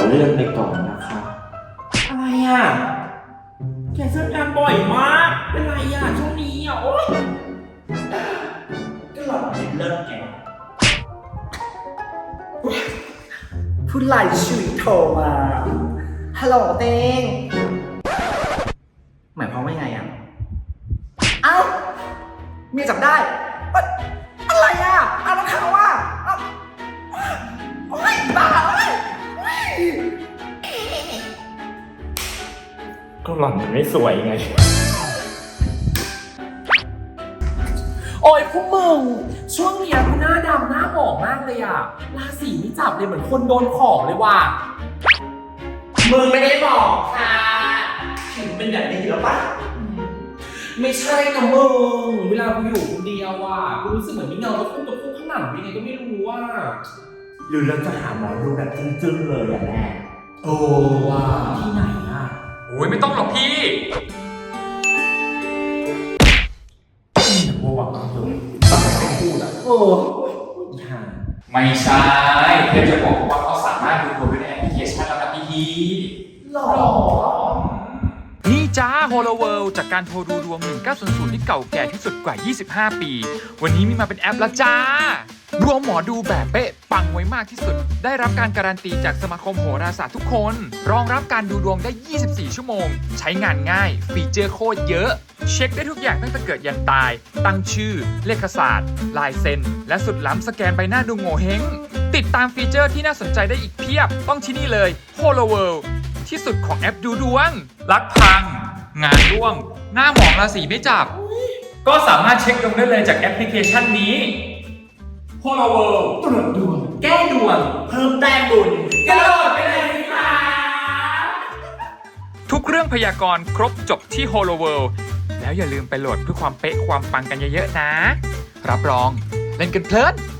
เลื่อนไปก่อนนะคะ อะไรอ่ะแกเจองานบ่อยมากเป็นไรอ่ะช่วงนี้อ่ะโอ๊ยก็หลับเห็นเลิกแกผู้ไล่ชุยโทรมาฮัลโหลเต้งหมายความว่าไงอ่ะเอ้าเมียจับได้อะไรอ่ะเอาแล้วเขาอ่ะโอ๊ยบ้าเอ้ยก็หล่อนมันไม่สวยไงโอ้ยพวกมึงช่วงนี้กูหน้าดำหน้าหมองมากเลยอ่ะราศีไม่จับเลยเหมือนคนโดนของเลยว่ะมึงไม่ได้บอกค่ะถึงเป็นแบบนี้แล้วปะไม่ใช่นะมึงเวลากูอยู่คนเดียวอ่ะกูรู้สึกเหมือนมีเงาตะคุ่มข้างหลังยังไงก็ไม่รู้ว่าหรือเราจะหาหมอดูแบบจึ้งๆเลยอย่างแรกโอ้ว่าที่ไหนอ่ะโอ้ยไม่ต้องหรอกพี่โมวังเลยตั้งแต่พูดอ่ะไม่ใช่เพื่อจะบอกว่าเขาสามารถดูดวงด้วยในแอปพลิเคชันแล้วนะพี่หรอนี่จ้า Holo World จากการโทรดูดวง 1900 ที่เก่าแก่ที่สุดกว่า 25 ปี วันนี้มีมาเป็นแอปแล้วจ้า ดวงหมอดูแบบเป๊ะปังไว้มากที่สุด ได้รับการการันตีจากสมาคมโหราศาสตร์ทุกคน รองรับการดูดวงได้ 24 ชั่วโมง ใช้งานง่าย ฟีเจอร์โคตรเยอะ เช็คได้ทุกอย่างตั้งแต่เกิดยันตาย ตั้งชื่อ เลขศาสตร์ ลายเซ็น และสุดล้ำสแกนใบหน้าดูโง่เฮงติดตามฟีเจอร์ที่น่าสนใจได้อีกเพียบ ต้องที่นี่เลย Holo World ที่สุดของแอปดูดวง รักพัง งานร่วง หน้าหมองราศีไม่จับ ก็สามารถเช็คดวงได้เลยจากแอปพลิเคชันนี้ Holo World ตรวจดวง แก้ดวง เพิ่มแต้มบุญกระโดดไปเลยค่ะทุกเรื่องพยากรณ์ครบจบที่ Holo World แล้วอย่าลืมไปโหลดเพื่อความเป๊ะความปังกันเยอะๆนะ รับรองเล่นกันเพลิน